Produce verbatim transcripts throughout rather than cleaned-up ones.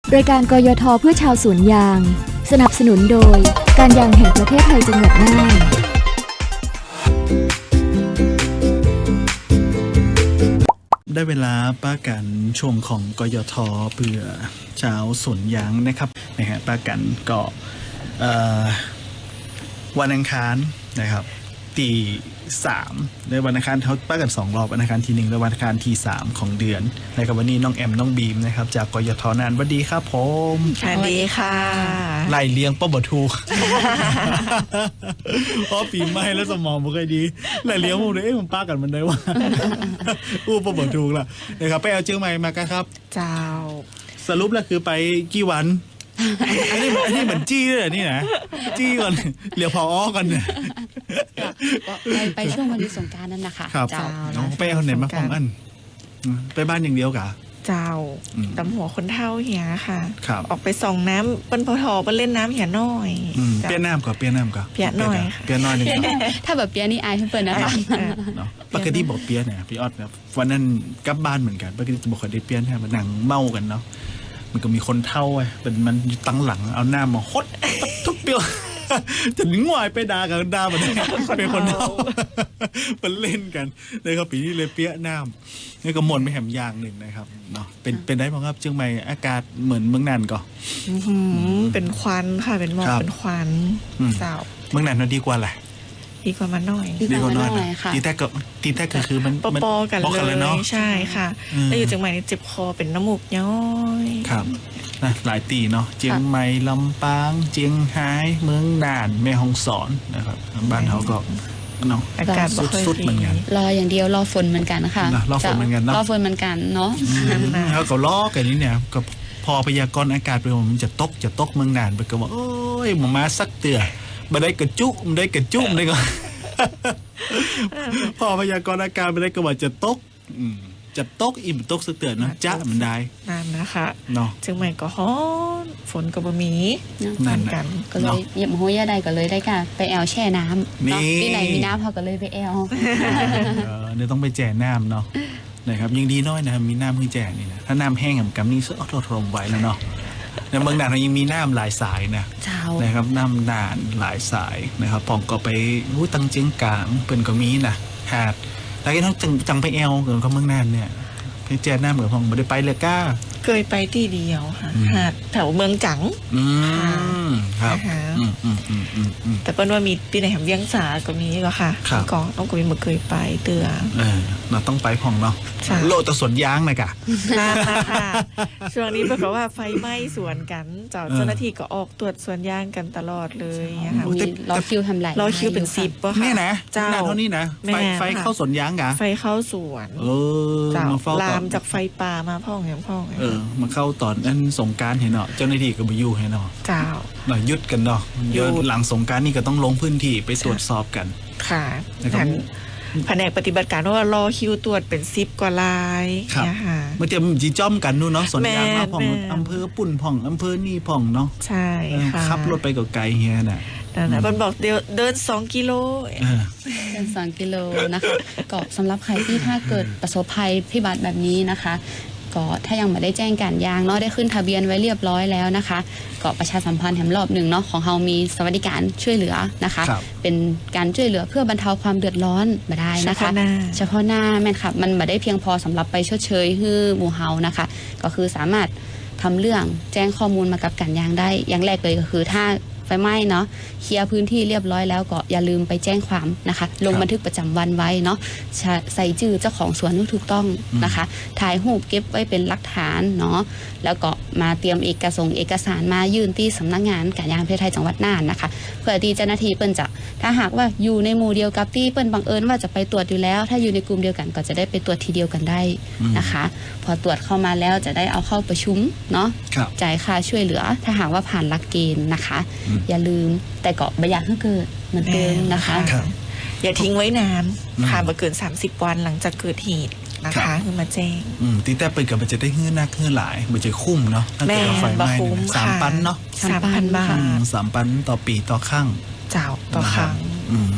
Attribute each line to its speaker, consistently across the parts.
Speaker 1: รายการกยทเพื่อชาวสวนยางสนับสนุนโดยการยางแห่งประเทศไทยจังหวัดน่าน
Speaker 2: ได้เวลาป้ากันช่วงของกยทเพื่อชาวสวนยางนะครับนะฮะป้ากันก็วันอังคารนะครับตีสามในวันอังคารเขาป้ากันสองรอบวันอังคารทีหนึ่งและวันอังคารทีสามของเดือนนะครับวันนี้น้องแอมน้องบีมนะครับจากกยทนานสวัสดีครับผม
Speaker 3: สวัสดีค่ะ
Speaker 2: ไล่เลี้ยงป้าบ่ถูกเพราะปีใหม่แล้วสมองบ่ค่อยดีไล่เลี้ยงพวกนี้เอ๊ะมันป้ากันมันได้ว่าอู้ป้าบ่ถูกล่ะนะครับไปเอาเชียงใหม่มากันครับ
Speaker 3: เจ้า
Speaker 2: สรุปแล้วคือไปกี่วันอันนี้อันนี้เหมือนจี้เลยนี่นะจี้ก่อนเหลียวพออ้อกันเนี่ย
Speaker 4: ไปไปช่วงวันหยุดสงกรานต์นั่นนะคะ
Speaker 2: เจ้าไปเอาไหนมาฟองอันไปบ้านอย่างเดียวกะ
Speaker 3: เจ้าตำหัวคนเท่าเหียค่ะ
Speaker 2: อ
Speaker 3: อกไปส่องน้ำเปิ้นพอทอเปิ้นเล่นน้ำเหียน้อย
Speaker 2: เปียน้ำก่อนเปียน้ำก่อน
Speaker 3: เปียน้อย
Speaker 2: เปียน้อยหนึ่ง
Speaker 4: ถ้าแบบเปียนี่อายเพื่อนนะคะ
Speaker 2: ปกติบอกเปียเนี่ยพี่ออดนะวันนั้นกลับบ้านเหมือนกันปกติบอกเคยได้เปียเนี่ยมันนั่งเมากันเนาะมันก็มีคนเท่าไอ้เป็นมันตั้งหลังเอาหน้ามาฮดทุกเปียวจะหนึ่งวายไปด่ากับด่ามันเป็นคนเท่ามันเล่นกันเลยครับปีนี้เลยเปี้ยน้ำนี่ก็หมดไม่แหมยางหนึ่งนะครับเนาะเป็นเป็นได้บ้างครับเชียงใหม่อากาศเหมือนเมืองน่านก็
Speaker 3: เป็นควันค่ะเป็นหมอกเป็นควันเจ้า
Speaker 2: เมืองน่านน่าดีกว่าแหละ
Speaker 3: ดีกว่ามาหน่อย
Speaker 4: ดีกว่ามาหน่อยค่ะ
Speaker 2: ตีแท้ก็ตีแท้ก็คือมัน
Speaker 3: ปอๆกันเลยเนาะใช่ค่ะแล้วอยู่เชียงใหม่นี่เจ็บคอเป็นน้ำมูกย้อย
Speaker 2: ครับนะหลายตีเนาะเชียงใหม่ลำปางเชียงไฮ้เมืองน่านแม่ฮ่องสอนนะครับบ้านเขาก็เนาะ
Speaker 3: อากาศ
Speaker 2: สุดๆเหมือนกัน
Speaker 4: รออย่างเดียวรอฝนเหมือนกันนะคะ
Speaker 2: รอฝนเหมือนกันเนาะ
Speaker 4: รอฝนเหมือนกันเนาะ
Speaker 2: เขาก็ล้อกันนี่เนี่ยก็พอพยากรณ์อากาศไปมันจะตกจะตกเมืองน่านไปก็บอกโอ้ยหมอมาสักเตือมาได้กระจุมาได้กระจุมได้ก็พอพยากรณ์อากาศไปได้ก็ว่าจะตกจะตกอิ่มตกสักเตือนนะจ้ามันได้
Speaker 3: นั่นนะคะ
Speaker 2: เนาะ
Speaker 3: เชียงใหม่ก็ฮ้อนฝนก็บ่มี
Speaker 2: นั่น
Speaker 3: กัน
Speaker 4: ก็เลยเหยียบหัวยาใดก็เลยได้ค่ะไปแอลแช่น้ำที่ไหนมีน้ำเขาก็เลยไปแอล
Speaker 2: เนี่ยต้องไปแจ่น้ำเนาะนะครับยังดีน้อยนะครับมีน้ำเพิ่งแจ่นี่นะถ้าน้ำแห้งกับกำนี่ก็ทนทนไว้แล้วเนาะในเมืองน่านเรายังมีน้ำหลายสายนะนะครับน้ำน่านหลายสายนะครับปองก็ไปรู้ตังเจียงกลางเป็นก็มีนะหาดแล้วก็ต้องจังจังไปแอลเกิดก็เมืองน่านเนี่ยไปแจ่น้ำเหมือนพองไม่ได้ไปเลยก้า
Speaker 3: เคยไปที่เดียวค่ะหาดแถวเมืองจัง
Speaker 2: อืมครับอืมอืมอืมอืม
Speaker 3: แต่เปิ้ลว่ามีปีไหนแห่งเวียงสาก็มีก็ค่ะก็ต้องก็มีมาเคยไปเตือ
Speaker 2: เออเราต้องไปพองเนาะโลตะสวนยางนะกะ
Speaker 3: ค่ะช่วงนี้ปรากฏว่าไฟไหม้สวนกันเจ้าเจ้าหน้าที่ก็ออกตรวจสวนยางกันตลอดเลยนะคะ
Speaker 4: รอคิวทำไร
Speaker 3: รอคิวเป็นสิบป่ะค่ะ
Speaker 2: นี่นะเจ้าเท่านี้นะไฟไฟเข้าสวนยางกะ
Speaker 3: ไฟเข้าสวน
Speaker 2: เออ
Speaker 3: เจ้าลามจากไฟป่ามาพ่องอย่างพ่อง
Speaker 2: เออมาเข้าตอนนั้นสงการเห็นเนาะเจ้าหน้าที่ก็ไปอยู่ให้เนาะ
Speaker 3: เจ้า
Speaker 2: หน่อยยุดกันเนาะเยอะหลังสงการนี่ก็ต้องลงพื้นที่ไปตรวจสอบกัน
Speaker 3: ค่ะท่านแผนกปฏิบัติการว่ารอคิวตรวจเป็นสิบกว่าลาย
Speaker 2: นะคะเมื่อเตรียมจีจ้อมกันนู่นเนาะสวนยางมาผ่องอำเภอปุ่นผ่องอำเภอนี่ผ่องเนาะ
Speaker 3: ใช่ค่ะ
Speaker 2: ขับรถไปไกลเฮียน่ะ
Speaker 3: นั่นนะมันบอกเดี๋ยวเดินสองกิโล
Speaker 4: เดินสองกิโลนะคะก็สำหรับใครที่ถ้าเกิดประสบภัยพิบัติแบบนี้นะคะก็ถ้ายังไม่ได้แจ้งการยางเนาะได้ขึ้นทะเบียนไว้เรียบร้อยแล้วนะคะก็ประชาสัมพันธ์แถมรอบหนึ่งเนาะของเรามีสวัสดิการช่วยเหลือนะคะเป็นการช่วยเหลือเพื่อบรรเทาความเดือดร้อนมาได้นะคะเฉพาะหน้าแม่นค่ะมันไม่ได้เพียงพอสำหรับไปชดเชยให้หมู่เฮานะคะก็คือสามารถทำเรื่องแจ้งข้อมูลมากับการยางได้อย่างแรกเลยก็คือถ้าไฟไหม้เนาะเคลียร์พื้นที่เรียบร้อยแล้วก็อย่าลืมไปแจ้งความนะคะลงบันทึกประจำวันไว้เนาะใส่ชื่อเจ้าของสวนที่ถูกต้องนะคะถ่ายรูปเก็บไว้เป็นหลักฐานเนาะแล้วก็มาเตรียมเอกสารเอกสารมายื่นที่สำนักงานการยางประเทศไทยจังหวัดน่านนะคะเพื่อที่เจ้าหน้าที่เปิ้นจะถ้าหากว่าอยู่ในหมู่เดียวกับที่เปิ้นบังเอิญว่าจะไปตรวจอยู่แล้วถ้าอยู่ในกลุ่มเดียวกันก็จะได้ไปตรวจทีเดียวกันได้นะคะพอตรวจเข้ามาแล้วจะได้เอาเข้าประชุมเนาะจ่ายค่าช่วยเหลือถ้าหากว่าผ่านหลักเกณฑ์นะคะอย่าลืมแต่ก็ไม่อยากให้เกิดเหมือนเดิมนะคะ
Speaker 3: อย่าทิ้งไว้นานผ่านมาเกินสามสิบวันหลังจากเกิดเหตุนะคะคือมาแจ้ง
Speaker 2: ตีแต่ไปกับมันจะได้เงื่อนนักเงื่อนหลายมันจะคุ้มเนาะถ้าเกิดไฟไหม้สามปันเนาะ
Speaker 3: สามพันบาท
Speaker 2: สามปันต่อปีต่อครั้ง
Speaker 3: เจ้าต่อครั้ง
Speaker 2: อืม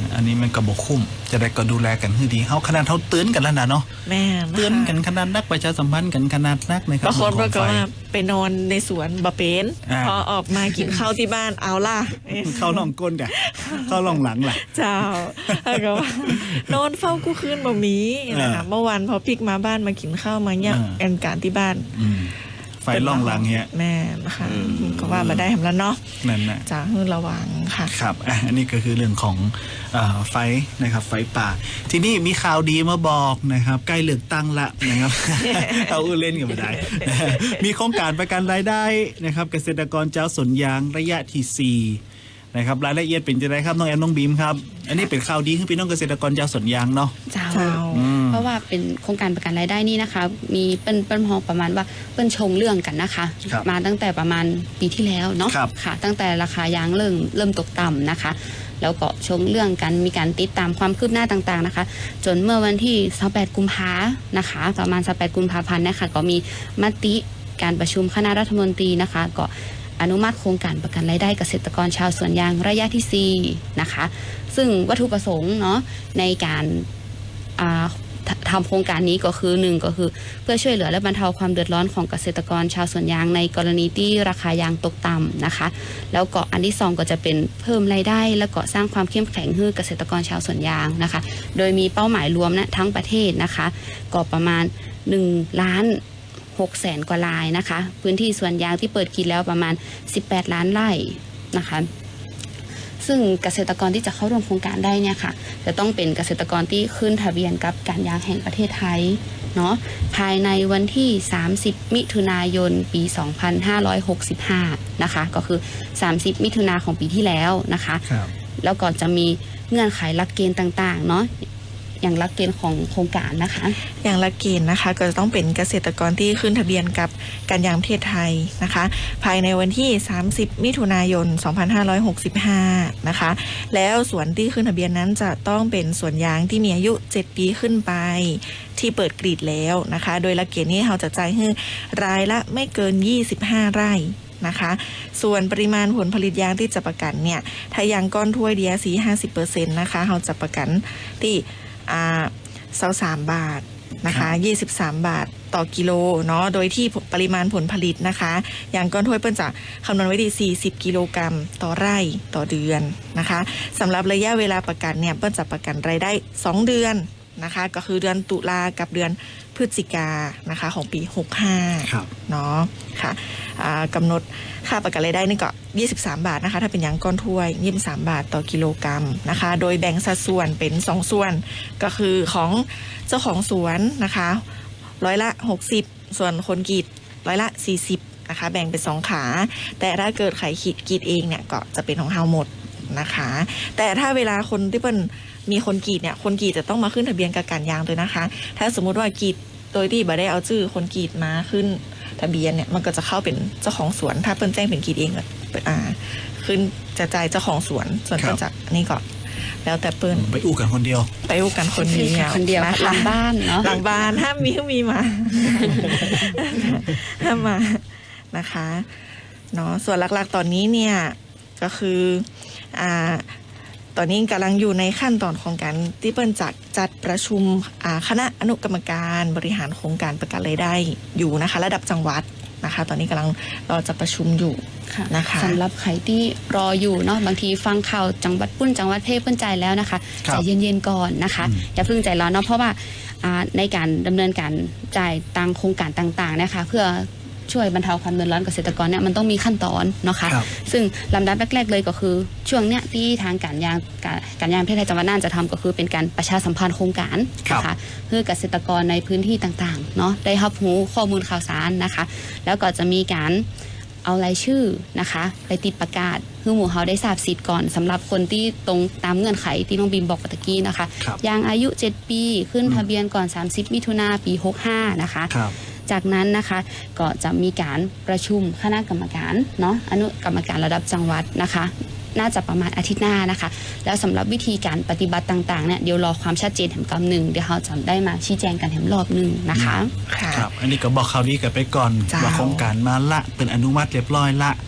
Speaker 2: อันนี้มันก็บ่คุ้มจะได้ก็ดูแลกันให้ดีเฮาขนาดเฮาเตือนกันแล้วนะเนาะ
Speaker 3: แม่ะคะ
Speaker 2: เตือนกันขนาดนักประชาสัมพันธ์กันขนาดนักนะครับ
Speaker 3: บางคน
Speaker 2: เรื่
Speaker 3: ก็
Speaker 2: องของไฟ
Speaker 3: ว่าไปนอนในสวนบะเป็น
Speaker 2: อ่า
Speaker 3: พอออกมากินข้าวที่บ้านเอาล่ะ
Speaker 2: เข้าล่องก้นกันเข้าล่องหลังล่ะ
Speaker 3: เจ้าแล้วก็ว่านอนเฝ้ากู้คืนบ่มีนะคะ
Speaker 2: อ่า
Speaker 3: เมื่อวานพอพลิกมาบ้านมากินข้าวมาเนี่ย
Speaker 2: อ่า
Speaker 3: แอนการที่บ้าน
Speaker 2: อืมไฟล่องหลังเนี้ย
Speaker 3: แม่นะคะ
Speaker 2: อืม
Speaker 3: ก็ว่ามาได้ทำแล้วเนาะ
Speaker 2: นั่นน่ะ
Speaker 3: จะให้ระวังค่ะ
Speaker 2: ครับอ่ะอันนี้ก็คือเรื่องของเออไฟนะครับไฟป่า ทีนี้มีข่าวดีมาบอกนะครับใกล้เลือกตั้งละนะครับ เอาอื้อเล่นกันมาได้ มีโครงการประกันรายได้นะครับเกษตรกรเจ้าสวนยางระยะที่สี่นะครับรายละเอียดเป็นจะไรครับน้องแอมน้องบีมครับอันนี้เป็นข่าวดีให้พี่น้องเกษตรกรเจ้าสวนยางเนาะ
Speaker 4: เจ้า
Speaker 3: เจ้า
Speaker 2: อืม
Speaker 4: เพราะว่าเป็นโครงการประกันรายได้นี่นะคะ มีเป็นเป็นมองประมาณว่าเป็นชงเรื่องกันนะคะ
Speaker 2: ครับ
Speaker 4: มาตั้งแต่ประมาณปีที่แล้วเนาะ
Speaker 2: ครับ
Speaker 4: ค่ะ ตั้งแต่ราคายางเริ่มเริ่มตกต่ำนะคะ แล้วก็ชงเรื่องกันมีการติดตามความคืบหน้าต่างๆนะคะ จนเมื่อวันที่ยี่สิบแปดกุมภานะคะ ประมาณยี่สิบแปดกุมภาพันธ์นะคะก็มีมติการประชุมคณะรัฐมนตรีนะคะก็อนุมัติโครงการประกันรายได้เกษตรกรชาวสวนยางระยะที่สี่นะคะ ซึ่งวัตถุประสงค์เนาะในการอ่าททำโครงการนี้ก็คือหนึ่งก็คือเพื่อช่วยเหลือและบรรเทาความเดือดร้อนของเกษตรกรชาวสวนยางในกรณีที่ราคายางตกต่ำนะคะ แล้วก็อันที่สองก็จะเป็นเพิ่มรายได้ แล้วก็สร้างความเข้มแข็งให้เกษตรกรชาวสวนยางนะคะ โดยมีเป้าหมายรวมนะทั้งประเทศนะคะก็ประมาณหนึ่งล้านหกแสนกว่ารายนะคะ พื้นที่สวนยางที่เปิดกินแล้วประมาณสิบแปดล้านไร่นะคะ ซึ่งเกษตรกรที่จะเข้าร่วมโครงการได้เนี่ยค่ะจะต้องเป็นเกษตรกรที่ขึ้นทะเบียนกับการยางแห่งประเทศไทยเนาะภายในวันที่สามสิบมิถุนายนปีสองพันห้าร้อยหกสิบห้านะคะก็คือสามสิบมิถุนาของปีที่แล้วนะคะ
Speaker 2: ครับ
Speaker 4: แล้วก็จะมีเงื่อนไขหลักเกณฑ์ต่างๆเนาะอย่างหลักเกณฑ์ของโครงการนะคะ
Speaker 3: อย่างละเกณฑ์นะคะก็จะต้องเป็นเกษตรกรที่ขึ้นทะเบียนกับการยางประเทศไทยนะคะ ภายในวันที่สามสิบมิถุนายนสองพันห้าร้อยหกสิบห้านะคะแล้วสวนที่ขึ้นทะเบียนนั้นจะต้องเป็นสวนยางที่มีอายุเจ็ดปีขึ้นไปที่เปิดกรีดแล้วนะคะ โดยหลักเกณฑ์นี้เราจะจ่ายให้รายละไม่เกินยี่สิบห้าไร่นะคะ ส่วนปริมาณผลผลิตยางที่จะประกันเนี่ยถ้ายางก้อนถ้วย ดี อาร์ ซี ห้าสิบเปอร์เซ็นต์ นะคะเราจะประกันที่อ่าเซาสามบาทนะคะยี่สิบสามบาทต่อกิโลเนาะโดยที่ปริมาณผลผลิตนะคะอย่างก้อนถ้วยเปิ้นจะคำนวณไว้ที่สี่สิบกิโลกรัมต่อไร่ต่อเดือนนะคะสำหรับระยะเวลาประกันเนี่ยเปิ้นจะประกันรายได้สองเดือนนะคะก็คือเดือนตุลากับเดือนพฤศจิกานะคะของปีหกสิบห้า
Speaker 2: ครับ
Speaker 3: เนาะค่ะอ่ากำหนดค่าประกันรายได้นี่ก็ยี่สิบสามบาทนะคะถ้าเป็นยางก้อนถ้วยยี่สิบสามบาทต่อกิโลกรัมนะคะโดยแบ่งสัดส่วนเป็นสองส่วนก็คือของเจ้าของสวนนะคะร้อยละหกสิบส่วนคนกรีดร้อยละสี่สิบนะคะแบ่งเป็นสองขาแต่ถ้าเกิดใครขีดกรีดเองเนี่ยก็จะเป็นของเฮาหมดนะคะแต่ถ้าเวลาคนที่เป็นมีคนกรีดเนี่ยคนกรีดจะต้องมาขึ้นทะเบียนกับการยางด้วยนะคะถ้าสมมุติว่ากรีดโดยที่บ่ได้เอาชื่อคนกรีดมาขึ้นทะเบียนเนี่ยมันก็จะเข้าเป็นเจ้าของสวนถ้าเปิ้นแจ้งเป็นกรีดเองก็อ่าขึ้นจะจ่ายเจ้าของสวนส่วน
Speaker 2: ครับ
Speaker 3: เปิ้นจากนี่ก็แล้วแต่เปิ้น
Speaker 2: ไปอู้กันคนเดียว
Speaker 3: ไปอู้กันคนเดียว
Speaker 4: คนเดียว
Speaker 3: ะะ
Speaker 4: หลังบ้านเนาะ
Speaker 3: หลังบ้านห้ามมีห้ามมีมา ห้ามมานะคะเนาะส่วนหลักๆตอนนี้เนี่ยก็คืออ่าตอนนี้กำลังอยู่ในขั้นตอนของการที่เปิ้นจัดจัดประชุมอ่าคณะอนุกรรมการบริหารโครงการประกันรายได้อยู่นะคะระดับจังหวัดนะคะ ตอนนี้กำลังรอจะประชุมอยู่
Speaker 4: ค่ะ
Speaker 3: นะคะ
Speaker 4: สำหรับใครที่รออยู่เนาะบางทีฟังข่าวจังหวัดปุ้นจังหวัดเพศเปิ้นใจแล้วนะคะ
Speaker 2: ครั
Speaker 4: ใจ
Speaker 2: บ
Speaker 4: เย็นๆก่อนนะคะ
Speaker 2: อืม
Speaker 4: อย่าเพิ่งใจร้อนเนาะเพราะว่าอ่าในการดำเนินการจ่ายตังโครงการต่างๆนะคะเพื่อช่วยบรรเทาความเดือดร้อนเกษตรกรเนี่ยมันต้องมีขั้นตอนเนาะค่ะ
Speaker 2: ครับ
Speaker 4: ซึ่งลำดับแรกๆเลยก็คือช่วงเนี้ยที่ทางการยางการการยางประเทศไทยจังหวัดน่านจะทำก็คือเป็นการประชาสัมพันธ์โครงการนะคะเพื่อเกษตรกรในพื้นที่ต่างๆเนาะได้รับรู้ข้อมูลข่าวสารนะคะ แล้วก็จะมีการเอารายชื่อนะคะไปติดประกาศให้หมู่เฮาได้ทราบสิทธิ์ก่อนสำหรับคนที่ตรงตามเงื่อนไขที่น้องบีมบอกเมื่อกี้นะคะ
Speaker 2: ครับ
Speaker 4: ยางอายุเจ็ดปีขึ้นทะเบียนก่อนสามสิบมิถุนาปีหกสิบห้านะคะ
Speaker 2: ครับ
Speaker 4: จากนั้นนะคะก็จะมีการประชุมคณะกรรมการเนาะอนุกรรมการระดับจังหวัดนะคะ น่าจะประมาณอาทิตย์หน้านะคะ แล้วสำหรับวิธีการปฏิบัติต่างๆเนี่ยเดี๋ยวรอความชัดเจนแถมกำหนึ่งเดี๋ยวเราจะได้มาชี้แจงกันแถมรอบหนึ่งนะคะ
Speaker 3: ค่ะ
Speaker 2: ครับ อันนี้ก็บอกข่าวดีกันไปก่อน
Speaker 3: เจ้า
Speaker 2: ว่าโครงการมาละเป็นอนุมัติเรียบร้อยละ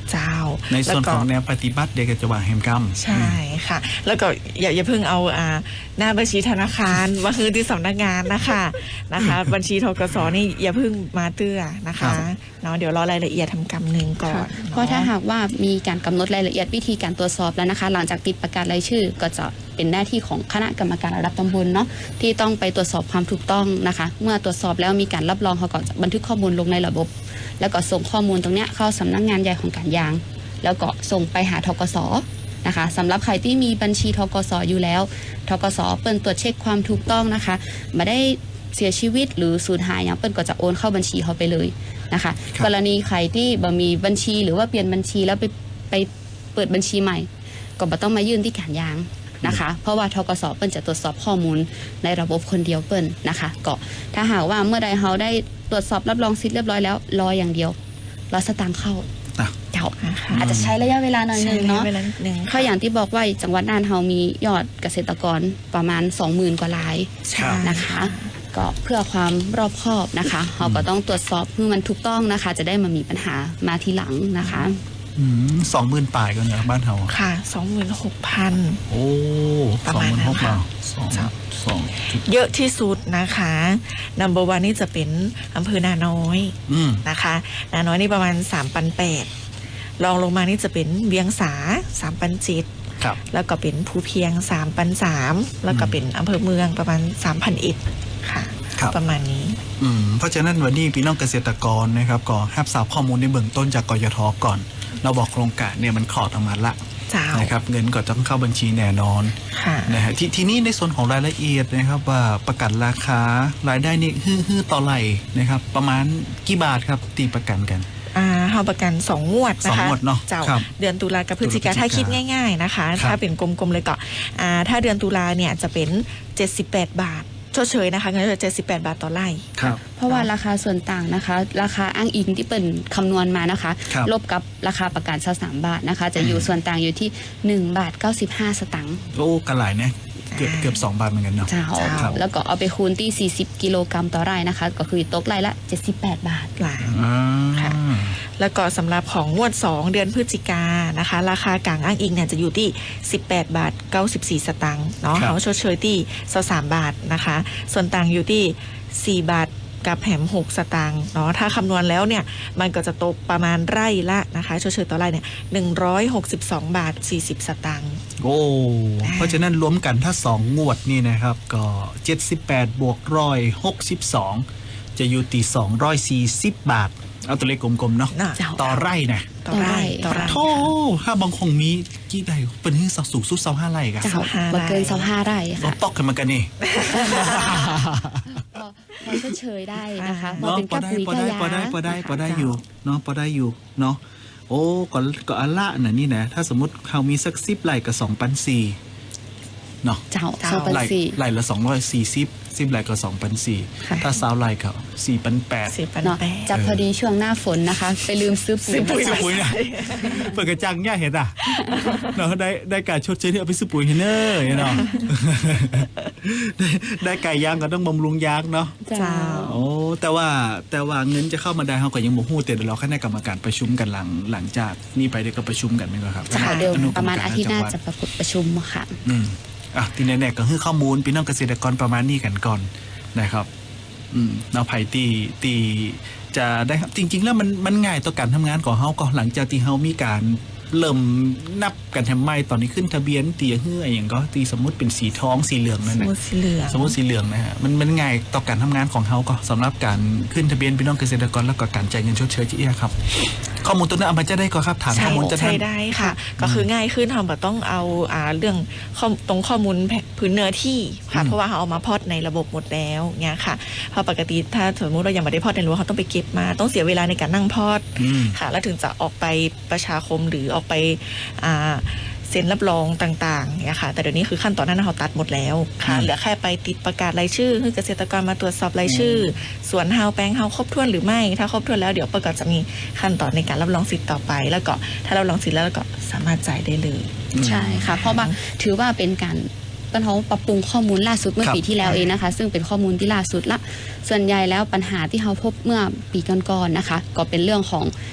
Speaker 3: เจ้า
Speaker 2: ในส่วน
Speaker 3: แล้วก็
Speaker 2: ของแนวปฏิบัติเด็กจะวางแฮมกรรม
Speaker 3: ใช่ค่ะ แล้วก็อย่าอย่าเพิ่งเอาอ่าหน้าบัญชีธนาคาร มาคือที่สำนักงานนะคะนะคะ บัญชีธกสนี่อย่าเพิ่งมาเตื้อนะคะเนาะเดี๋ยวรอรายละเอียดทำกรรมหนึ่งก่อน
Speaker 4: เพราะถ้าหากว่ามีการกำหนดรายละเอียดวิธีการตรวจสอบแล้วนะคะ หลังจากติดประกาศรายชื่อก็จะเป็นหน้าที่ของคณะกรรมการระดับตำบลเนาะที่ต้องไปตรวจสอบความถูกต้องนะคะ เมื่อตรวจสอบแล้วมีการรับรองเขาก็จะบันทึกข้อมูลลงในระบบ แล้วก็ส่งข้อมูลตรงเนี้ยเข้าสำนักงานใหญ่ของการยาง แล้วก็ส่งไปหาธกสนะคะสำหรับใครที่มีบัญชีธกสอยู่แล้วธกสเปิ้นตรวจเช็คความถูกต้องนะคะไม่ได้เสียชีวิตหรือสูญหายอย่างเปิ้นก็จะโอนเข้าบัญชีเขาไปเลยนะคะ
Speaker 2: ครับ
Speaker 4: กรณีใครที่บ่มีบัญชีหรือว่าเปลี่ยนบัญชีแล้วไปไปเปิดบัญชีใหม่ ก็บ่ต้องมายื่นที่การยางนะคะ เพราะว่าธกสเปิ้นจะตรวจสอบข้อมูลในระบบคนเดียวเปิ้นนะคะก็ถ้าหากว่าเมื่อใดเขาได้ตรวจสอบรับรองสิทธิ์เรียบร้อยแล้วรออย่างเดียวรอสตางค์เข้า
Speaker 2: อ่ะ
Speaker 4: เจ้า
Speaker 3: นะคะ
Speaker 4: อาจจะใช้ระยะเวลาหน่อยนึงเนาะ
Speaker 3: ใช้ระยะเวลาหนึ่ง
Speaker 4: เพราะอย่างที่บอกว่าจังหวัดน่านเรามียอดเกษตรกรประมาณ สองหมื่น กว่าราย
Speaker 3: ใช่
Speaker 4: นะคะ ก็เพื่อความรอบคอบนะคะเราก็ต้องตรวจสอบเพื่อมันถูกต้องนะคะ จะได้มามีปัญหามาทีหลังนะคะ
Speaker 2: สองหมื่นป่ายกันเหรอบ้านเฮา
Speaker 3: ค่ะสองหมื่นหกพัน
Speaker 2: โอ้
Speaker 3: ประ
Speaker 2: สอง
Speaker 3: มาณ
Speaker 2: หมื่น
Speaker 3: นั้
Speaker 2: ห
Speaker 3: น
Speaker 2: ก
Speaker 3: ค่ะ
Speaker 2: สองสองจุด
Speaker 3: เยอะที่สุดนะคะนัมเบอร์วันนี่จะเป็นอำเภอนาน้อย
Speaker 2: อืม
Speaker 3: นะคะนาน้อยนี่ประมาณสามพันแปดรองลงมานี่จะเป็นเวียงสาสามพันเจ็ด
Speaker 2: ครับ
Speaker 3: แล้วก็เป็นภูเพียงสามพันสามแล้วก็เป็นอำเภอเมืองประมาณสามพันเอ็ดค่ะ
Speaker 2: ครับ
Speaker 3: ประมาณนี้
Speaker 2: อืมเพราะฉะนั้นวันนี้พี่น้องเกษตรกรนะครับก็รับทราบข้อมูลในเบื้องต้นจากกยทก่อน เราบอกโครงการเนี่ยมันคลอดออกมาละ
Speaker 3: เจ้า
Speaker 2: นะครับเงินก็ต้องเข้าบัญชีแน่นอน
Speaker 3: ค่ะ
Speaker 2: นะฮะททีนี้ในส่วนของรายละเอียดนะครับว่าประกันราคารายได้นี่ฮือฮือต่อไหลนะครับประมาณกี่บาทครับตีประกันกัน
Speaker 3: อ่าเฮาประกันสองงวดนะคะ
Speaker 2: สองงวดเนอะ
Speaker 3: เจ้า
Speaker 2: ครับ
Speaker 3: เดือนตุลากับพฤศจิกา
Speaker 2: ตุลาพฤศจิกา
Speaker 3: ถ้าคิดง่ายๆนะคะ
Speaker 2: ครับ
Speaker 3: ถ้าเป็นกลมๆเลยก็อ่าถ้าเดือนตุลาเนี่ยจะเป็นเจ็ดสิบแปดบาทชดเชยนะคะเงินจะเจ็ดสิบแปดบาทต่อไร่
Speaker 2: ครับ
Speaker 4: เพราะว่าราคาส่วนต่างนะคะ ราคาอ้างอิงที่เป็นคำนวณมานะคะ
Speaker 2: ครับ
Speaker 4: ลบกับราคาประกันสามบาทนะคะ จะอยู่ส่วนต่างอยู่ที่หนึ่งบาทเก้าสิบห้าสตางค์
Speaker 2: โอ้กันหลายนะเกือบเกือบสองบาทเหมือนกันเนาะ
Speaker 4: เจ้า
Speaker 2: ครับ
Speaker 4: แล้วก็เอาไปคูณที่สี่สิบกิโลกรัมต่อไร่นะคะ ก็คือตกไร่ละเจ็ดสิบแปดบาท
Speaker 3: หลาย
Speaker 2: อ่า
Speaker 3: ค่ะ แล้วก็สำหรับของงวดสองเดือนพฤศจิกานะคะ ราคากลางอ้างอิงเนี่ยจะอยู่ที่สิบแปดบาทเก้าสิบสี่สตางค์เนาะ
Speaker 2: ครับ
Speaker 3: เขาชดเชยที่สามบาทนะคะ ส่วนต่างอยู่ที่สี่บาทกับแหมหกสตางค์เนาะถ้าคำนวณแล้วเนี่ยมันก็จะตกประมาณไร่ละนะคะชดเชยต่อไร่เนี่ยหนึ่งร้อยหกสิบสองบาทสี่สิบสตางค์
Speaker 2: โอ้เพราะฉะนั้นรวมกันถ้าสองงวดนี่นะครับก็เจ็ดสิบแปดบวกร้อยหกสิบสองจะอยู่ตีสองร้อยสี่สิบบาท เอาตัวเลขกลมๆเนาะ
Speaker 3: น่ะ
Speaker 4: เจ้า
Speaker 2: ต่อไร่นะ
Speaker 3: ต่อไร่ต่อไร่
Speaker 2: โธ่ถ้าบางคงมีกี่ไร่เป็นที่สักสูงสุดเสาห้าไร่กัน
Speaker 4: เจ้า
Speaker 3: สิบห้าไร่
Speaker 4: บ่เกินสิบห้าไร่
Speaker 2: เรา
Speaker 4: ค่ะ
Speaker 2: ตอกกันมากันนี่
Speaker 4: พอพอชดเชยได้นะคะพอ
Speaker 2: เนาะ
Speaker 4: เป็น
Speaker 2: พอ
Speaker 4: กับ
Speaker 2: ได้
Speaker 4: ปุ๋ย
Speaker 2: พอ
Speaker 4: กับ
Speaker 2: ได้
Speaker 4: ยา
Speaker 2: พอได้พอได้พอได้
Speaker 3: เจ้า
Speaker 2: อยู่เนาะพอได้อยู่เนาะโอ้ก็ก็อันละน่ะนี่นะถ้าสมมติเขามีสักสิบไร่กับสองพันสี่เนาะ
Speaker 4: เจ้า
Speaker 3: เจ้า
Speaker 4: สองพัน
Speaker 2: ไร่
Speaker 4: สี่
Speaker 2: ไร่ละสองร้อยสี่สิบสิบไร่ก็สองพันสี่
Speaker 4: ค่ะ
Speaker 2: ถ้าสาวไร่ก็สี่พันแปด
Speaker 3: สี่พัน
Speaker 4: เนาะ
Speaker 3: แปด
Speaker 4: จับพอดีช่วงหน้าฝนนะคะ ไปลืมซื้อปุ๋ย
Speaker 3: ซื้อปุ๋ย
Speaker 2: ซื้อปุ๋ยนะเปิดกระจังย่าเห็นอ่ะเนาะได้ได้การชดเชยที่เอาไปซื้อปุ๋ยเห็นเนอร์เนาะได้ได้ไก่ยางก็ต้องบำรุงยางเนาะ
Speaker 4: เจ้า
Speaker 2: โอ้แต่ว่าแต่ว่าเงินจะเข้ามาได้เขาก็ยังบ่ฮู้แต่เดี๋ยวเราคณะกรรมการประชุมกันหลังหลังจากนี่ไปเดี๋ยวก็ประชุมกันไหมครับ
Speaker 4: จะเดี๋ยว
Speaker 2: อนุก
Speaker 4: ประมาณ
Speaker 2: ก
Speaker 4: อาทิตย์หน้า
Speaker 2: จังวัด
Speaker 4: จะประประชุมค่ะ
Speaker 2: อืมอ่ะทีแน่ๆก็คือข้อมูลพี่น้องเกษตรกรประมาณนี้กันก่อนนะครับ อืมเราไผ่ตีตีจะได้จริง ๆ แล้วมันมันง่ายต่อการทำงานของเฮาก็หลังจากที่เฮามีการเริ่มนับกันทำไมตอนนี้ขึ้นทะเบียนตีเฮืออย่างก็ตีสมมุติเป็นสีทองสีเหลืองนั่น
Speaker 3: ส
Speaker 2: แหละ
Speaker 3: มุดสีเหลือง
Speaker 2: สมมติสีเหลืองนะฮะมันมันง่ายต่อการทำงานของเขาก็สำหรับการขึ้นทะเบียนพี่น้องเกษตรกรแล้วก็การจ่ายเงินชดเชยที่เอียครับ ข้อมูลตัวนั้นเอามาจะได้ก็ครับถาม
Speaker 3: ใช่
Speaker 2: ข้อมูลจะ
Speaker 3: ใช้ได้ค่ะ ก็คือง่ายขึ้นเราแบบต้องเอาอ่าเรื่องข้อตรงข้อมูลแผพื้นเนื้อที่ค่ะเพราะว่าเขาเอามาพอดในระบบหมดแล้วเนี่ยค่ะเพราะปกติถ้าสมมติเรายังไม่ได้พอดในรั้วเขาต้องไปเก็บมาต้องเสียเวลาในการนั่งพอด
Speaker 2: อืม
Speaker 3: ค่ะ แล้วถึงจะออกไปประชาคมหรือออกไปอ่าเซ็นรับรองต่างๆเนี่ยค่ะ แต่เดี๋ยวนี้คือขั้นตอนนั้นเขาตัดหมดแล้วค่ะ
Speaker 2: อืม
Speaker 3: เหลือแค่ไปติดประกาศรายชื่อให้เกษตรกรมาตรวจสอบรายชื่อส่วนเฮาแปลงเฮาครบถ้วนหรือไม่ถ้าครบถ้วนแล้วเดี๋ยวประกาศจะมีขั้นตอนในการรับรองสิทธิ์ต่อไป แล้วก็ถ้ารับรองสิทธิ์แล้วก็สามารถจ่ายได้เลย
Speaker 4: ใช่ค่ะ เพราะว่าถือว่าเป็นการเป็นเขาปรับปรุงข้อมูลล่าสุดเมื่อ
Speaker 2: ครับ
Speaker 4: ปีที่แล้วเองนะคะ ซึ่งเป็นข้อมูลที่ล่าสุดละส่วนใหญ่แล้วปัญหาที่เขาพบเมื่อปีก่อนๆนะคะ ก็เป็นเรื่องของ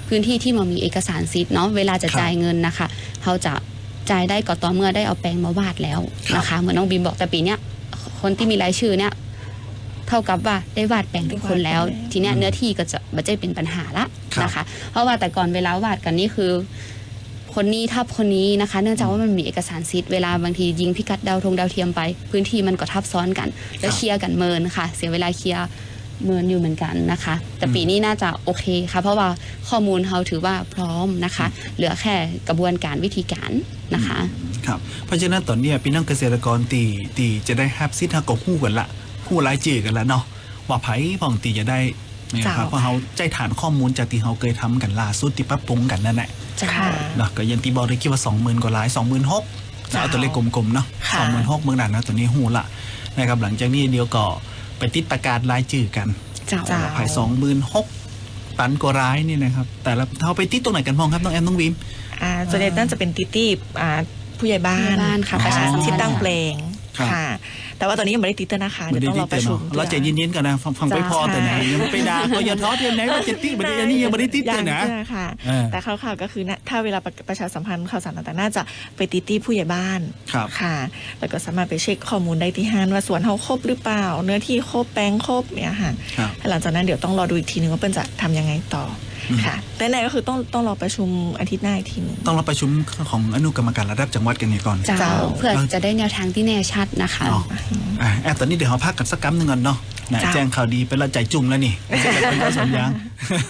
Speaker 4: พื้นที่ที่มันมีเอกสารสิทธิ์เนาะเวลาจะจ่ายเงินนะคะเขาจะจ่ายได้ก็ต่อเมื่อได้เอาแปลงมาวาดแล้วนะคะเหมือนน้องบีมบอกแต่ปีเนี้ยคนที่มีรายชื่อเนี้ยเท่ากับว่าได้วาดแปลงทุกคนแล้วทีเนี้ยเนื้อที่ก็จะไม่ใช่เป็นปัญหาละนะคะเพราะว่าแต่ก่อนเวลาวาดกันนี่คือคนนี้ทับคนนี้นะคะเนื่องจากว่ามันมีเอกสารสิทธิ์เวลาบางทียิงพิกัดดาวธงดาวเทียมไปพื้นที่มันก็ทับซ้อนกันแล้วเคลียร์กันเมินค่ะเสียเวลาเคลียร์เมินอยู่เหมือนกันนะคะแต่ปีนี้น่าจะโอเคค่ะเพราะว่าข้อมูลเขาถือว่าพร้อมนะคะเหลือแค่กระบวนการวิธีการนะคะ
Speaker 2: ครับเพราะฉะนั้นตอนนี้พี่น้องเกษตรกรตีตีจะได้ฮับซิทฮะก็คู่กันละคู่รายจื่อกันละเนาะว่าไผ่พ่องตีจะได้นะครับเพราะเขาใจฐานข้อมูลจากที่เขาเคยทำกันล่าสุดที่ปรับปรุงกันนั่นแหละเนาะก็ยังตีบอกได้คิดว่าสองหมื่นกว่าลายสองหมื่นหกเอาตัวเลขกลมๆเนาะสองหมื่นหกเมืองนั้นนะตัวนี้หูละนะครับหลังจากนี้เดียวก็ไปติดประกาศรายจื่อกันภายสองหมื่นหกตันกว่าร้ายนี่นะครับแต่ละเขาไปติดตรงไหนกันพ้องครับน้องแอมน้องวิม
Speaker 3: อ่าส่วนใหญ่น่าจะเป็นติดที่อ่าผู้ใหญ่บ้านค่ะประชาชนที่ตั้งแปลงค่ะแต่ว่าตอนนี้ยังไม่ได้ติดนะคะเดี๋ยวต้องรอประชุม
Speaker 2: เราใจเย็นๆกันนะฟังไปพอแต่ไหนยังไปด่าก็อย่าท้อเทียนไหนว่าจะติดแบบนี้นี่ยังไม่ได้ติดเลยนะ
Speaker 3: แต่ข่าวๆก็คือถ้าเวลาประชาสัมพันธ์ข่าวสารต่างๆน่าจะไปติดที่ผู้ใหญ่บ้านค่ะแล้วก็สามารถไปเช็คข้อมูลได้ที่ห้างว่าสวนเขาครบหรือเปล่าเนื้อที่ครบแปลงครบเนี่ยค่ะหลังจากนั้นเดี๋ยวต้องรอดูอีกทีนึงว่าเป็นจะทำยังไงต่อค่ะแต่ไหนก็คือต้องต้องรอประชุมอาทิตย์หน้าอีกทีนึง
Speaker 2: ต้องรอประชุมของอนุกรรมการระดับจังหวัดกันก่อน
Speaker 4: เจ้าเพื่อจะได้แนวทางที่แน่ชัดนะคะ
Speaker 2: แอบตอนนี้เดี๋ยวเราพักกันสักกั๊มหนึ่งก่อนเนาะแจ้งข่าวดีเป็นละใจจุ่มแล้วนี่ไม่ใช่เป็นละสมยาง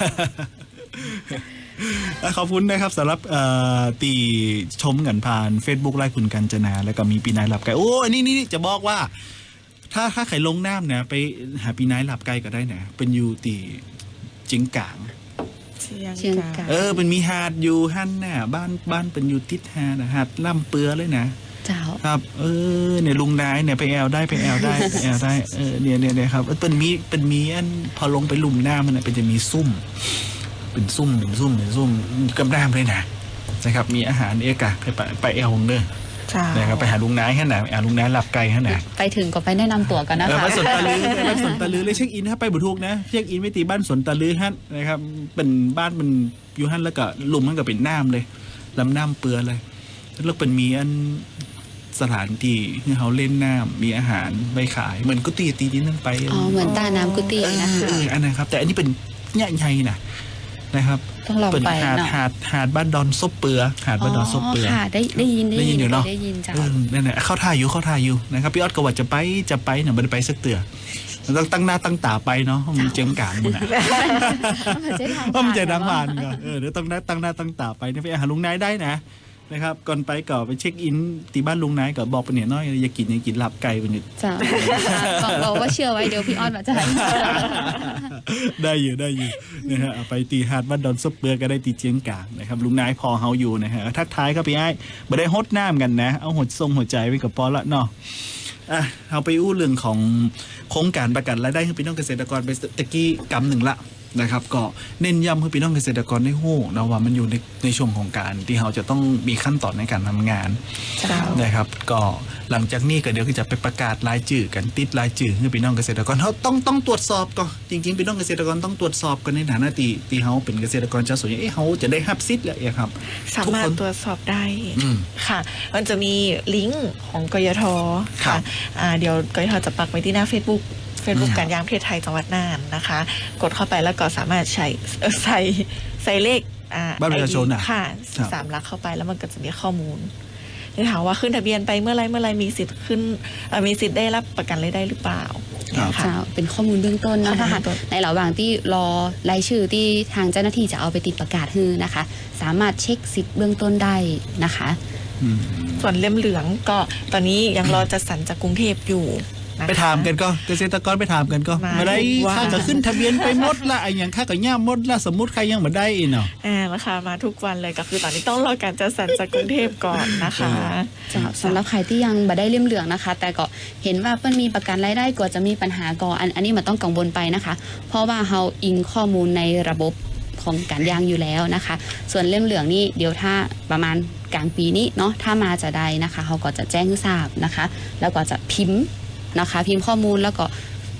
Speaker 2: ขอบคุณนะครับสำหรับตีชมกันผ่าน Facebook ไลฟ์คุณกัญจนาแล้วก็มีปีนายหลับไก่โอ้ยนี่นี่จะบอกว่าถ้าถ้าใครลงน้ำเนี่ยไปหาปีนายหลับไก่ก็ได้นะเป็นยูตีจิงกาง
Speaker 4: เชียงกาง
Speaker 2: เออเป็นมีหาดอยู่ฮั่นน่ะบ้านบ้านเป็นอยู่ติดหาดหาดล่ำเปือเลยนะ
Speaker 4: เจ้า
Speaker 2: ครับเออเนี่ยลุงนายเนี่ยไปแอลได้ไปแอลได้ไปแอลได้เออเนี่ยเนี่ยเนี่ยครับเป็นมีเป็นมีอันพอลงไปลุมหน้ามันเป็นจะมีซุ่มเป็นซุ่มเป็นซุ่มเป็นซุ่มกำด้ามเลยนะนะครับมีอาหารเอกะไปไปแอลของเด้อนะครับไปหาลุงนายแค่ไหนหาลุงนายหลับไกลแค่ไหน
Speaker 4: ไปถึงก็ไปแนะนำตัวกันนะคะ
Speaker 2: บ้านสวนตะลือบ้านสวนตะลือเลยเช็คอินถ้าไปบุทุกนะเช็คอินไม่ตีบ้านสวนตะลือฮั่นนะครับเป็นบ้านมันอยู่ฮั่นแล้วก็ลุมมันก็เป็นน้ำเลยลำน้ำเปื้อเลยแล้วเป็นมีอันสถานที่ที่เขาเล่นน้ำมีอาหารไปขายเหมือนกุฏิตีนี้นั่นไป
Speaker 4: อ๋อเหมือนตาน้ำกุฏินะคะ
Speaker 2: อันนั้นครับแต่อันนี้เป็นใหญ่ๆนะนะครับ
Speaker 4: ต้องลองไป
Speaker 2: หาดหาดหาดบ้านดอนซบเปือหาดบ้านดอนซบเปือ
Speaker 4: ค่ะได้ได้ยิน
Speaker 2: ได้ยินอยู่เนาะ
Speaker 4: ได้ยินจ้ะ
Speaker 2: นั่นแหละเข้าท่าอยู่เข้าท่าอยู่นะครับพี่ออดก็ว่าจะไปจะไปเนี่ยไม่ได้ไปสักเตือต้องตั้งหน้าตั้งตาไปเนาะมันเจียมกลางมึงอ่ะเพราะมันจะดังผ่านก็เออเดี๋ยวต้องตั้งหน้าตั้งตาไปเนี่ยไปหาลุงนายได้นะนะครับก่อนไปก็ไปเช็คอินที่บ้านลุงนายก็บอกไปเนี่ยน้อยอย่ากินอย่ากินหลับไก่ไปเนี่ย
Speaker 4: จ้าบอกว่าเชื่อไว้เดี๋ยวพี่ออดมาจะ
Speaker 2: ได้อยู่ได้อยู่นะฮะไปตีหาดบ้านดอนซบเปือก็ได้ตีเจียงกลางนะครับลุงนายพอเฮาอยู่นะฮะทักทายครับพี่ไอ้ไม่ได้ฮดน้ำกันนะเอาหัวทรงหัวใจไว้กับปอละเนาะอ่ะเอาไปอู้เรื่องของโครงการประกันรายได้ให้พี่น้องเกษตรกรไปตะกี้กำหนึ่งละนะครับก็เน้นย้ำให้พี่น้องเกษตรกรได้ฮู้นะว่ามันอยู่ในในช่วงของการที่เราจะต้องมีขั้นตอนในการทำงานนะครับก็หลังจากนี้ก็เดี๋ยวจะไปประกาศรายชื่อกันติดรายชื่อให้พี่น้องเกษตรกรเขาต้องต้องตรวจสอบก่อนจริงๆพี่น้องเกษตรกรต้องตรวจสอบกันในฐานะที่ที่เขาเป็นเกษตรกรชาวสวนเอ๊ะเขาจะได้รับสิทธิ์แล้วครับ
Speaker 3: สามารถตรวจสอบได้ค่ะมันจะมีลิงก์ของกยทค่ะเดี๋ยวกยทจะปักไว้ที่หน้า Facebookเฟซบุ๊กการยางประเทศไทยจังหวัดน่านนะคะกดเข้าไปแล้วก็สามารถใช้ใส่ใส่เลข
Speaker 2: บัตรประชาชน
Speaker 3: ค่ะสามหลักเข้าไปแล้วมันก็จะมีข้อมูลที่ถามว่าขึ้นทะเบียนไปเมื่อไรเมื่อไรมีสิทธิ์ขึ้นมีสิทธิ์ได้รับประกันรายได้หรือเปล่า
Speaker 4: ค่ะเป็นข้อมูลเบื้องต้นนะคะในระหว่างที่รอรายชื่อที่ทางเจ้าหน้าที่จะเอาไปติดประกาศฮือนะคะสามารถเช็คสิทธิ์เบื้องต้นได้นะคะ
Speaker 3: ส่วนเล่มเหลืองก็ตอนนี้ยังรอจัดสรรจากกรุงเทพอยู่
Speaker 2: ไปถามกันก็เกษตรกรไปถามกันก็มาได้ค่าก็ขึ้นทะเบียนไปหมดละไอ้อย่างค่าก็ย่าหมดละสมมุติใครยังมาได้อีกเนาะ
Speaker 3: อ่าราคามาทุกวันเลยก็คือตอนนี้ต้องรอการจัดสรรจากกรุงเทพก่อนนะคะ
Speaker 4: สำหรับใครที่ยังมาได้เล่มเหลืองนะคะแต่ก็เห็นว่าเปิ้ลมีประกันรายได้กว่าจะมีปัญหาก่ออันอันนี้มันต้องกังวลไปนะคะเพราะว่าเราอิงข้อมูลในระบบของการยางอยู่แล้วนะคะส่วนเล่มเหลืองนี่เดี๋ยวถ้าประมาณกลางปีนี้เนาะถ้ามาจะได้นะคะเขาก็จะแจ้งให้ทราบนะคะแล้วก็จะพิมพ์นะคะพิมพ์ข้อมูลแล้วก็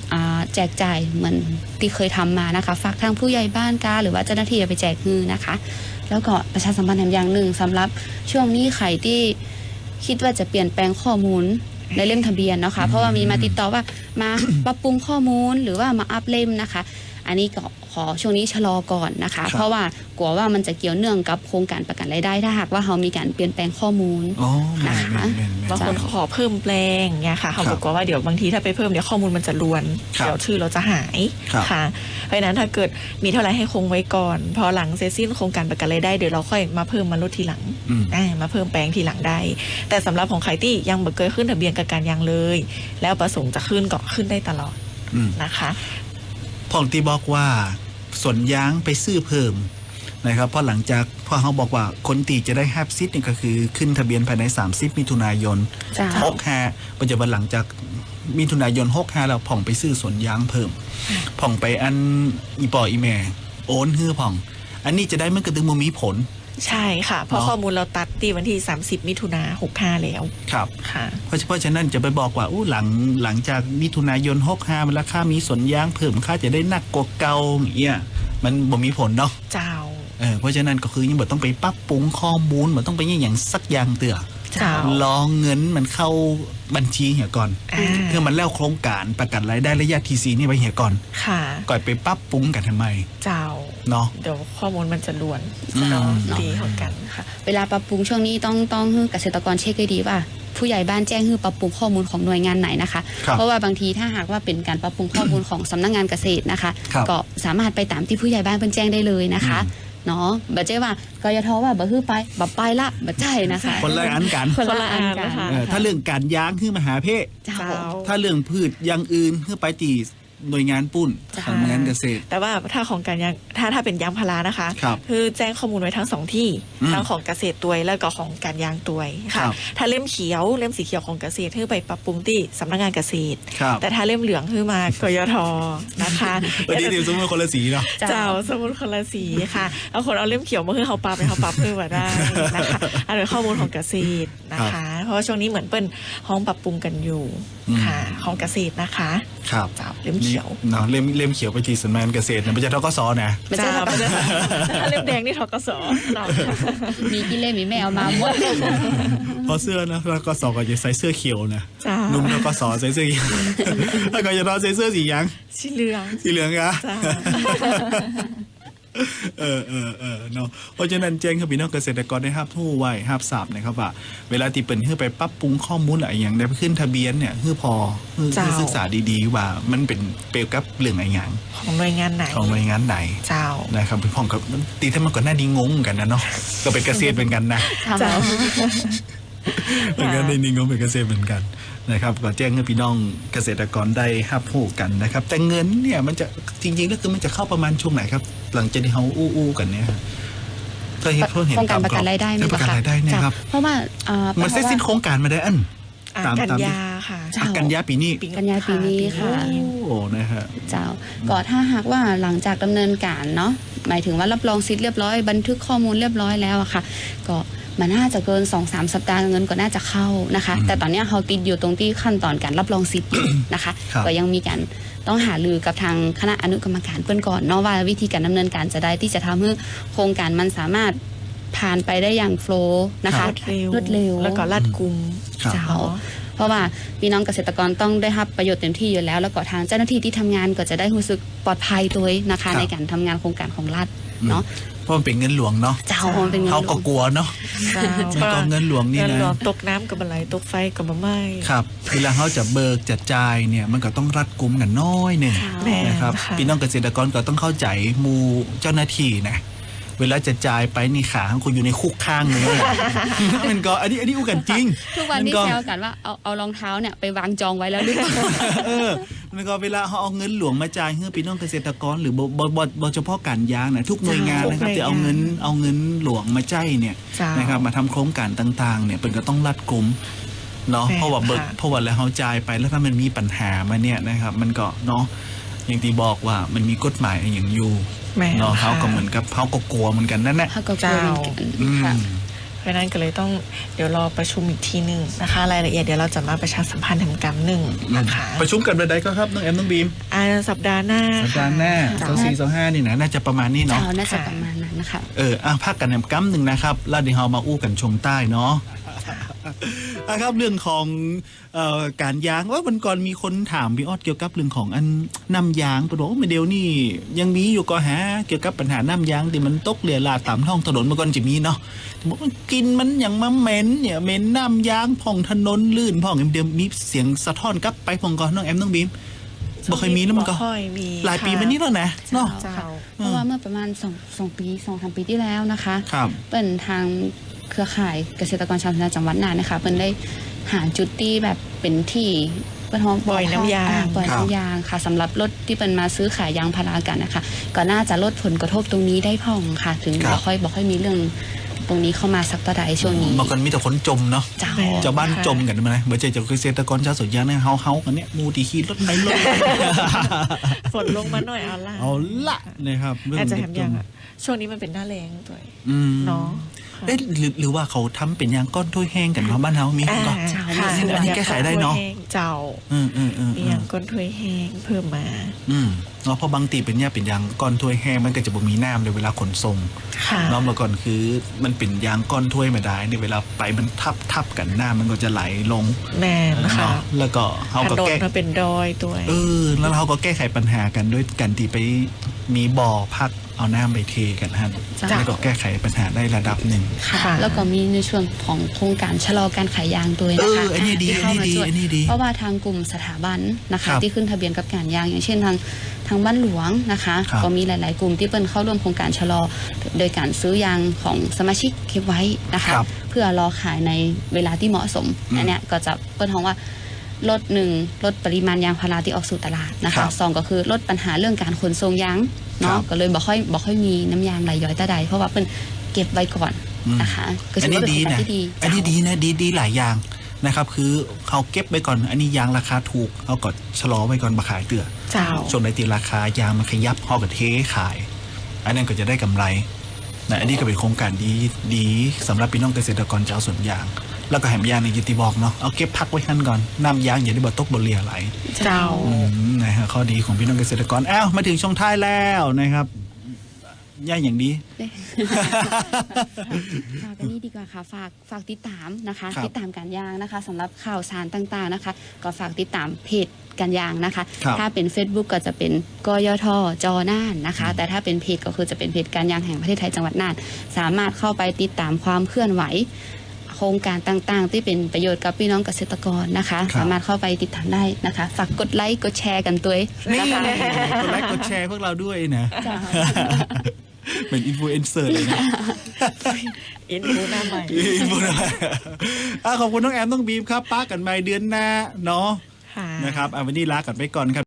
Speaker 4: อ่าแจกจ่ายเหมือนที่เคยทำมานะคะฝากทางผู้ใหญ่บ้านกาหรือว่าเจ้าหน้าที่ไปแจกฮือนะคะแล้วก็ประชาสัมพันธ์อย่างหนึ่งสำหรับช่วงนี้ใครที่คิดว่าจะเปลี่ยนแปลงข้อมูลในเล่มทะเบียนเนาะค่ะเพราะว่ามีมาติดต่อว่ามา ปรับปรุงข้อมูลหรือว่ามาอัปเล่มนะคะอันนี้ก็ขอช่วงนี้ชะลอก่อนนะคะเพราะว่ากลัวว่ามันจะเกี่ยวเนื่องกับโครงการประกันรายได้ถ้าหากว่าเรามีการเปลี่ยนแปลงข้อมูล
Speaker 2: อ๋อแม่
Speaker 4: นะ
Speaker 2: น
Speaker 4: คะ
Speaker 2: แม่นแม่น
Speaker 3: บางคนขอเพิ่มแปลงเนี่ยค่ะเขาบอกว่าเดี๋ยวบางทีถ้าไปเพิ่มเดี๋ยวข้อมูลมันจะลวน
Speaker 2: ครับ
Speaker 3: เดี๋ยวชื่อเราจะหาย
Speaker 2: ครับ
Speaker 3: ค่ะเพราะฉะนั้นถ้าเกิดมีเท่าไหร่ให้คงไว้ก่อน พอหลังเสร็จสิ้นโครงการประกันรายได้เดี๋ยวเราค่อยมาเพิ่มมาลดทีหลัง
Speaker 2: อืม
Speaker 3: อ่ามาเพิ่มแปลงทีหลังได้ แต่สำหรับของใครที่ยังบ่เคยขึ้นทะเบียนกับการยางเลย แล้วประสงค์จะขึ้นก็ขึ้นได้ตลอด
Speaker 2: อืม
Speaker 3: นะคะ
Speaker 2: พ่องที่บอกว่าสวนยางไปซื้อเพิ่มนะครับเพราะหลังจากพ่อเขาบอกว่าคนตีจะได้แฮปซิทนี่ก็คือขึ้นทะเบียนภายในสามสิบมิถุนายน
Speaker 4: จ้า
Speaker 2: หกห้าปัจจุบันหลังจากมิถุนายนหกห้าแล้วผ่องไปซื้อสวนยางเพิ่มผ่องไปอันอีปออีแม่โอนฮื้อผ่อง อันนี้จะได้เมื่อกระตึงมมีผล
Speaker 3: ใช่ค่ะ เพราะ
Speaker 2: เนาะ
Speaker 3: ข้อมูลเราตัดที่วันที่สามสิบมิถุนาหกห้าแล้ว
Speaker 2: ครับ
Speaker 3: ค่ะ
Speaker 2: เพราะเพราะฉะนั้นจะไปบอกว่าอู้หลังหลังจากมิถุนายนหกห้ามันราคามีสวนยางเพิ่มค่าจะได้หนักกว่าเก่าอย่างเงี้ยมันบ่มีผลเนาะ
Speaker 3: เจ้า
Speaker 2: เออเพราะฉะนั้นก็คือยังบ่ต้องไปปรับปรุงข้อมูลบ่ต้องไปอย่างอย่างสักอย่างเตือ
Speaker 3: เจ้า
Speaker 2: รอเงินมันเข้าบัญชีเหียก่อน
Speaker 3: อ่า
Speaker 2: เพื่อมันแล้วโครงการประกันรายได้ระยะทีซีนี่ไปเหียก่อน
Speaker 3: ค่ะ
Speaker 2: ก่อนไปปรับปรุงกันทำไม
Speaker 3: เจ้า
Speaker 2: เนาะ
Speaker 3: เดี๋ยวข้อมูลมันจะล้วน
Speaker 2: อืม
Speaker 3: เนาะดีเหมือนกันค่ะ
Speaker 4: เวลาปรับปรุงช่วงนี้ต้องต้องให้เกษตรกรเช็คให้ดีว่า ผู้ใหญ่บ้านแจ้งให้ปรับปรุงข้อมูลของหน่วยงานไหนนะคะ
Speaker 2: ครับ
Speaker 4: เพราะว่าบางทีถ้าหากว่าเป็นการปรับปรุงข้อมูลของสำนักงานเกษตรนะคะ
Speaker 2: ครับ
Speaker 4: ก็สามารถไปตามที่ผู้ใหญ่บ้านเป็นแจ้งได้เลยนะคะเนาะบัจเจ้ว่ากยทว่าบ่ฮื้อไปบ่ไปละบ่ใจนะคะ
Speaker 2: คนละอันกัน
Speaker 4: คนละอันกัน
Speaker 3: คนละอันนะคะ
Speaker 2: เออถ้าเรื่องการยางคือมหาเพศ
Speaker 4: เจ้า
Speaker 3: เจ้า
Speaker 2: ถ้าเรื่องพืชอย่างอื่นคือไปตีหน่วยงานปุ้น
Speaker 4: จ้ะ
Speaker 2: สำนักงานเกษตร
Speaker 3: แต่ว่าถ้าของการยางถ้าถ้าเป็นยางพารานะคะ
Speaker 2: ครับ
Speaker 3: คือแจ้งข้อมูลไว้ทั้งสองที่
Speaker 2: อืม
Speaker 3: ทั้งของเกษตรตัวยแล้วก็ของการยางตัวย
Speaker 2: ครั
Speaker 3: ค่ะ
Speaker 2: บ
Speaker 3: ถ้าเล่มเขียวเล่มสีเขียวของเกษตรคือไปปรับปรุงที่สำนักงานเกษตร
Speaker 2: ครับ
Speaker 3: แต่ถ้าเล่มเหลืองคือมากยทนะคะ
Speaker 2: วันนี้เดี๋ยวสมมติคนละสีเนาะ
Speaker 3: เจ้าสมุดคนละสีค่ะเอาคนเอาเล่มเขียวมาคือเขาปรับไปเขาปรับเพื่อมาได้นะคะอันเป็นข้อมูลของเกษตรนะคะ เพราะว่าช่วงนี้เหมือนเปิ้นห้องปรับปรุงกันอยู่
Speaker 2: อืม
Speaker 3: ค่ะของเกษตรนะคะ
Speaker 2: ครับ
Speaker 3: เจ้าเล่มเขียว
Speaker 2: เนาะเล่มเล่มเขียวไปทีสำนักงานเกษตรเนี่ยมันจะทกสนะ
Speaker 4: ไม่ใช่
Speaker 3: เจ้า
Speaker 4: ทกส
Speaker 3: ถ้าเล่มแดงนี่ทกสเรา
Speaker 4: มีกี่เล่มมีแม่เอามาหมด
Speaker 2: เพราะเสื้อนะแล้วก็สอก็จะใส่เสื้อเขียวนะ
Speaker 3: เจ้า
Speaker 2: นุ่มแล้วก็สอใส่เสื้อเขียวแล้วก็จะนอนใส่เสื้อสีหยัง
Speaker 3: สีเหลือง
Speaker 2: สีเหลืองอะ
Speaker 3: จ้า
Speaker 2: เออเออเออเนาะเพราะฉะนั้นแจ้งให้พี่น้องเกษตรกรได้รับรู้ไว้รับทราบนะครับว่าเวลาที่เปิดเพื่อไปปรับปรุงข้อมูลอะไรอย่างได้ขึ้นทะเบียนเนี่ยเพื่อพอเพื่อ
Speaker 3: เจ้า
Speaker 2: ศึกษาดีๆว่ามันเป็นเปรียบกับเรื่องอะไรอย่าง
Speaker 3: ของหน่วยงานไหน
Speaker 2: ของหน่วยงานไหน
Speaker 3: เจ้า
Speaker 2: นะครับพี่พ่องกับตีถ้ามันก่อนหน้านี้งงกันนะเนาะก็เป็นเกษตรเหมือนกันนะ
Speaker 3: เจ้า
Speaker 2: เหมือนกันในนี้งงเป็นเกษตรเหมือนกันนะครับก็แจ้งให้พี่น้องเกษตรกรได้รับรู้กันนะครับ แต่เงินเนี่ยมันจะจริงๆแล้วคือมันจะเข้าประมาณช่วงไหนครับ หลังจากที่เขาอู้ๆกันเนี่ยเคยเห็นเพิ่งเห็น
Speaker 4: โครงการประกันรายได้ไหม
Speaker 2: ประกัน
Speaker 4: คะ
Speaker 2: รายได้เนี่ยครับ
Speaker 4: เพราะว่าอ่า
Speaker 2: มันเสร็จสิ้นโครงการมาได้อัน
Speaker 3: อ่า
Speaker 2: ตาม
Speaker 3: กัน
Speaker 2: ตาม
Speaker 3: ยาค่ะ
Speaker 4: เจ้า
Speaker 2: อ่ะกันยาปีนี้
Speaker 4: กันยาปีนี้ค่ะ
Speaker 2: โอ้นะฮะ
Speaker 4: เจ้าก็ถ้าหากว่าหลังจากดำเนินการเนาะหมายถึงว่ารับรองสิทธิ์เรียบร้อยบันทึกข้อมูลเรียบร้อยแล้วอะค่ะ ก็มันน่าจะเกิน สองถึงสาม สัปดาห์เงินก็น่าจะเข้านะคะ
Speaker 2: อืม
Speaker 4: แต่ตอนเนี้ยเขาติดอยู่ตรงที่ขั้นตอนการรับรองสิทธิ์อยู่นะคะ
Speaker 2: ครับ
Speaker 4: ก็ยังมีการต้องหารือกับทางคณะอนุกรรมการเปิ้นก่อนเนาะว่าวิธีการดำเนินการจะได้ที่จะทำให้โครงการมันสามารถผ่านไปได้อย่างโฟล์นะคะ
Speaker 3: รวดเร็ว
Speaker 4: รวดเร็ว
Speaker 3: แล้วก็รัดกุม
Speaker 2: ครับ
Speaker 3: เจ้า
Speaker 4: เพราะว่าพี่น้องเกษตรกรต้องได้รับประโยชน์เต็มที่อยู่แล้ว แล้วก็ทางเจ้าหน้าที่ที่ทำงานก็จะได้รู้สึกปลอดภัยตัวเองนะคะ
Speaker 2: ครับ
Speaker 4: ในการทำงานโครงการของรัฐเนาะ
Speaker 2: เพราะมันเป็นเงินหลวงเนาะ
Speaker 4: เจ้ามันเป็นเงิน
Speaker 2: เขา
Speaker 4: หล
Speaker 2: ก็
Speaker 4: วง
Speaker 2: กลัวเนาะ
Speaker 3: เจ้า
Speaker 2: มันก็เงินหลวงนี่
Speaker 3: เงิน
Speaker 2: นะ
Speaker 3: หลวงตกน้ำกับอะไรตกไฟกับมะไหม้
Speaker 2: ครับเวลาเขาจะเบิกจะจ่ายเนี่ยมันก็ต้องรัดกุมกันน้อยหนึ่ง
Speaker 3: แม่
Speaker 2: นะครับ
Speaker 3: ค่ะ
Speaker 2: พี่น้องเกษตรกรก็ต้องเข้าใจหมูเจ้าหน้าที่นะเวลาจะจ่ายไปนี่ขาของคุณอยู่ในคุกข้างเลย มันก็อันนี้อันนี้อู้กันจริง
Speaker 4: ทุกวันนี้
Speaker 2: มัก็
Speaker 4: แซวกันว่าเอาเอารองเท้าเนี่ยไปวางจองไว้แล้วหรือเปล่า
Speaker 2: เออมันก็เวลาเขาเอาเงินหลวงมาจ่ายให้พี่น้องเกษตรกรหรือบ่บ่บ่บ่เฉพาะการยางนะทุกหน่วยงานนะครับจะเอาเงินเอาเงินหลวงมาจ่ายเนี่ย
Speaker 3: เจ้า
Speaker 2: นะครับมาทำโครงการต่างๆเนี่ยเป็นก็ต้องรัดกุมเนาะ
Speaker 3: แม่น
Speaker 2: เพราะว่าเบิก
Speaker 3: ค่ะ
Speaker 2: เพราะว่าแล้วเขาจ่ายไปแล้วถ้ามันมีปัญหามาเนี่ยนะครับ มันก็เนาะอย่างที่บอกว่ามันมีกฎหมายอย่างอยู่
Speaker 3: แม่
Speaker 2: เนาะ
Speaker 3: ค่ะ
Speaker 2: เขาก็เหมือนกับเขาก็กลัวเหมือนกันนั่นแหละ
Speaker 4: เขาก็กลัวเหมือนกัน
Speaker 2: อืม
Speaker 4: ค่ะ
Speaker 3: เพราะฉะนั้นก็เลยต้องเดี๋ยวรอประชุมอีกทีหนึ่งนะคะ รายละเอียดเดี๋ยวเราจะมาประชาสัมพันธ์ทำกรรมหนึ่งนะคะ
Speaker 2: ประชุมกันวันใดก็ครับน้องแอมน้องบีม
Speaker 3: อ่าสัปดาห์หน้า
Speaker 2: สัปดาห์หน้า
Speaker 3: ค่ะ
Speaker 2: เสาร์สี่เสาร์ห้านี่นะน่าจะประมาณนี้เนาะ
Speaker 4: เช้าน่าจะประมาณนั้นนะคะ
Speaker 2: เอออ่ะพักกันแหนมกั๊มหนึ่งนะครับแล้วเดี๋ยวเรามาอู้กันชมใต้เนาะอ่ะครับเรื่องของเอ่อการยางว่าวันก่อนมีคนถามพี่ออดเกี่ยวกับเรื่องของอันน้ำยางปะโดไม่เดียวนี่ยังมีอยู่ก็ฮะเกี่ยวกับปัญหาน้ำยางที่มันตกเรียราดตามท้องถนนเมื่อก่อนจะมีเนาะที่บอกว่ากินมันอย่างมาเหม็นเนี่ยเหม็นน้ำยางผ่องถนนลื่นผ่องเดียวมีเสียงสะท้อนกลับไปผ่องก่อนน้องแอมน้องบีมบ่เคยมีแล้วมันก็
Speaker 3: บ่ค่อยมี
Speaker 2: หลายปีมานี้แล้วนะเนาะ
Speaker 3: เจ้า
Speaker 4: เพราะว่าเมื่อประมาณสองสองปีสองสามปีที่แล้วนะคะ
Speaker 2: ครับ
Speaker 4: เป็นทางเครือข่ายเกษตรกรชาวนาจังหวัดน่านนะคะเป็นได้หาจุดที่แบบเป็นที่เป็นห้อง
Speaker 3: ปล่อยน้ำยาง
Speaker 4: อ่ปล่อย
Speaker 2: ครับ
Speaker 4: น้ำยางค่ะสำหรับรถที่เป็นมาซื้อขายยางพารากันนะคะก็น่าจะลดผลกระทบตรงนี้ได้พ่องค่ะ ถึง
Speaker 2: ครับ
Speaker 4: บ่ค่อยบ่ค่อยมีเรื่องตรงนี้เข้ามาสักเท่าใดช่วงนี้
Speaker 2: เมื่อก่อนมีแต่คนจมเนาะ
Speaker 4: เจ้า
Speaker 2: ชาวบ้านจมกันมาเลยเมื่อเจอจากเกษตรกรชาวสวนยางเนี่ยเฮาเฮากันเนี่ยมูตีขี้รถไปรถไป
Speaker 3: ฝนลงมาหน่อยเอาละ
Speaker 2: เอาละนะครับเรื่อง
Speaker 3: อาจจะ
Speaker 2: เด็
Speaker 3: แถ
Speaker 2: ก
Speaker 3: ม
Speaker 2: จ
Speaker 3: ยัง
Speaker 2: ม
Speaker 3: อ่ะช่วงนี้มันเป็นหน้าแรงด้วย
Speaker 2: อืม
Speaker 3: เนาะค่ะ
Speaker 2: เอ๊ะหรือหรือว่าเขาทำเป็นยางก้อนถ้วยแห้งกันเนาะบ้านเฮามี
Speaker 3: อ่า
Speaker 2: ก็
Speaker 3: ค่ะ
Speaker 2: อันนี้แก้ไขได้เนาะ
Speaker 3: เจ้า
Speaker 2: อืมอืมอืม
Speaker 3: มีอย่างก้นถ้วยแห้งเพิ่มมา
Speaker 2: อืมเนาะเพราะบางตีเป็นยาเป็นยางก้อนถ้วยแห้งมันก็จะบ่มีน้ำเลยเวลาขนส่ง
Speaker 3: ค่ะ
Speaker 2: เนาะเมื่อก่อนคือมันเป็นยางก้อนถ้วยมาได้เนี่ยเวลาไปมันทับทับกันหน้ามันก็จะไหลลง
Speaker 3: แน่นะคะ
Speaker 2: เนาะแล้วก็เขา
Speaker 3: ถ
Speaker 2: ก็
Speaker 3: นน
Speaker 2: แก้
Speaker 3: มันเป็นดอยด้วย
Speaker 2: เออแล้วเขาก็แก้ไขปัญหากันด้วยกันที่ไปมีบ่อพักเอาน้ำไปเทกันฮะ
Speaker 4: จ้ะ
Speaker 2: แล้วก็แก้ไขปัญหาได้ระดับหนึ่ง
Speaker 3: ค่ะ
Speaker 4: แล้วก็มีในช่วงของโครงการชะลอการขายยางด้วยนะคะ
Speaker 2: เอออันนี้ดี
Speaker 4: ที่เข้ามา
Speaker 2: อันนี้ดี
Speaker 4: ช่วย
Speaker 2: อันนี้ดี
Speaker 4: เพราะว่าทางกลุ่มสถาบันนะ
Speaker 2: ครั
Speaker 4: คะ
Speaker 2: บ
Speaker 4: ที่ขึ้นทะเบียนกับการยางอย่างเช่นทางทางบ้านหลวงนะคะ
Speaker 2: ครับ
Speaker 4: ก็มีหลาย ๆ กลุ่มที่เปิ้นเข้าร่วมโครงการชะลอ โดยการซื้อยางของสมาชิกเก็บไว้นะคะ
Speaker 2: ครับ
Speaker 4: เพื่อรอขายในเวลาที่เหมาะสม
Speaker 2: อืม
Speaker 4: อันเนี้ยก็จะเปิ้นท้องว่าลดหนึ่งลดปริมาณยางพาราที่ออกสู่ตลาดนะ
Speaker 2: ครั
Speaker 4: คะ
Speaker 2: บ
Speaker 4: สองก็คือลดปัญหาเรื่องการขนส่งยาง
Speaker 2: ครั
Speaker 4: เนาะ
Speaker 2: บ
Speaker 4: ก็เลยบ่ค่อยบ่ค่อยมีน้ำยางไหลย้อยตาใดเพราะว่าเปิ้นเก็บไว้ก่อน
Speaker 2: อืม
Speaker 4: นะคะก็
Speaker 2: อัน
Speaker 4: ถือ
Speaker 2: นี้
Speaker 4: ว่าเป็น
Speaker 2: ดี
Speaker 4: โครงการ
Speaker 2: นะ
Speaker 4: ที่ดี
Speaker 2: อันนี้
Speaker 4: เจ้า
Speaker 2: ดีนะดีดีหลายอย่างนะครับ คือเขาเก็บไว้ก่อน อันนี้ยางราคาถูกเขาก็ชะลอไว้ก่อนมาขายเตือ
Speaker 3: เจ้า
Speaker 2: ช่วงไหนตีราคายางมันขยับเขาก็เทขาย อันนั้นก็จะได้กำไรนะอันนี้ก็เป็นโครงการดีดีสำหรับพี่น้องเกษตรกรชาวสวนยาง แล้วก็แหมยางในยิติบอกเนาะเอาเก็บพักไว้ขั้นก่อนน้ำยางอย่าได้บ่ตกบ่เลียไหล
Speaker 3: เจ้า
Speaker 2: อืมนะฮะข้อดีของพี่น้องเกษตรกรอ้าวมาถึงช่วงท้ายแล้วนะครับย่าอย่างดี
Speaker 4: ฝากอันนี้ดีกว่าค่ะฝากฝากติดตามนะคะ
Speaker 2: ครับ
Speaker 4: ติดตามการยางนะคะสำหรับข่าวสารต่างๆนะคะ ก็ฝากติดตามเพจการยางนะคะ
Speaker 2: ครับ
Speaker 4: ถ้าเป็น Facebook ก็จะเป็นกยทจอน่านนะคะ แต่ถ้าเป็นเพจก็คือจะเป็นเพจการยางแห่งประเทศไทยจังหวัดน่านสามารถเข้าไปติดตามความเคลื่อนไหว โครงการต่างๆ ที่เป็นประโยชน์กับพี่น้องเกษตรกรนะคะ
Speaker 2: ครับ
Speaker 4: สามารถเข้าไปติดตามได้นะคะ ฝากกดไลค์กดแชร์กันด้วย
Speaker 2: นี่
Speaker 4: นะคะ
Speaker 2: กดไลค์กดแชร์พวกเราด้วยนะ
Speaker 4: จ้ะ
Speaker 2: เป็นอินฟลูเอนเซอร์เลยนะ
Speaker 3: อินฟูหน้าใหม่
Speaker 2: อินฟลูอ่ะขอบคุณน้องแอมน้องบีมครับป้ากันใหม่เดือนหน้าเนาะ
Speaker 3: ค่ะ
Speaker 2: นะครับอ่ะวันนี้ลากันไปก่อนครับ